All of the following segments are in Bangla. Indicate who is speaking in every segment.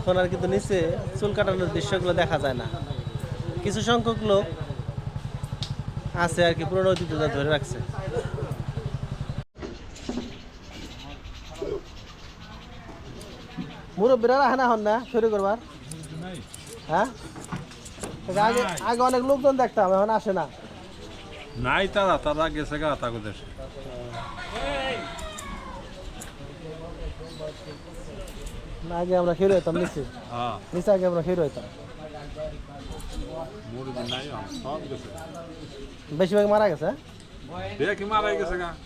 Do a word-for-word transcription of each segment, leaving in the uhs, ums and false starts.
Speaker 1: এখন আর কিন্তু নিচে চুল কাটানোর দৃশ্যগুলো দেখা যায় না। কিছু সংখ্যক লোক আছে আর কি পুরনো ঐতিহ্যটা ধরে রাখছে। মুরব্বীরা রাখে না হন না শুরু করবার, হ্যাঁ আগে আগে অনেক লোকজন দেখতাম, এখন আসে না।
Speaker 2: নাই তারা তারা গেছে গা তাকে দেশে।
Speaker 1: না আগে আমরা খেয়ে হইতাম নিচে,
Speaker 2: হ্যাঁ
Speaker 1: নিচে আগে আমরা খেয়ে হইতাম।
Speaker 2: মুরগি নাই সব গেছে,
Speaker 1: বেশিরভাগ মারা গেছে।
Speaker 2: দেখি মারাই গেছে গা।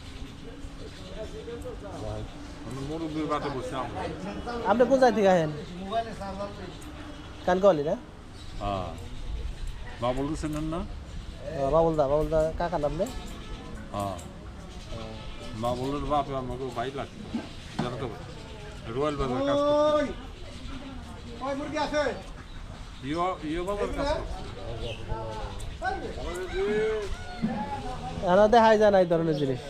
Speaker 2: মুরগির বাটে বসে আমরা।
Speaker 1: আপনি কোন জায়গা থেকে আহেন? কানকাওয়ালি না?
Speaker 2: হ্যাঁ বাবুল চেনেন না?
Speaker 1: বাবুল দা, বাবুল দা কাকা নাম নেই?
Speaker 2: হ্যাঁ বাবুলের বাপে আমাকে ভাই লাগতো, জানতো রয়্যাল বাজার কাজ করতো। ইয়ো ইয়ো বাজার কাজ করতো।
Speaker 1: এখন দেখাই যায় না এই ধরনের জিনিস।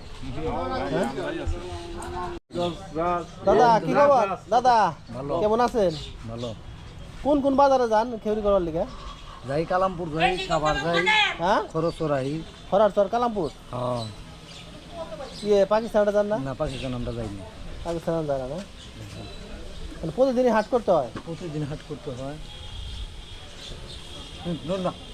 Speaker 1: দাদা কি খবর? দাদা কেমন আছেন?
Speaker 3: ভালো।
Speaker 1: কোন কোন বাজারে যান খেউরি করার লিগে?
Speaker 3: যাই কালামপুর যাই, সাভার যাই,
Speaker 1: হ্যাঁ
Speaker 3: খরচরাই।
Speaker 1: খরার চর কালামপুর।
Speaker 3: হ্যাঁ
Speaker 1: ইয়ে পাকিস্তানটা যান না?
Speaker 3: না, পাকিস্তান আমরা যাইনি।
Speaker 1: পাকিস্তান যায় না না? মানে প্রতিদিনই হাট করতে হয়?
Speaker 3: প্রতিদিন হাট করতে হয়। হুম, ধর না।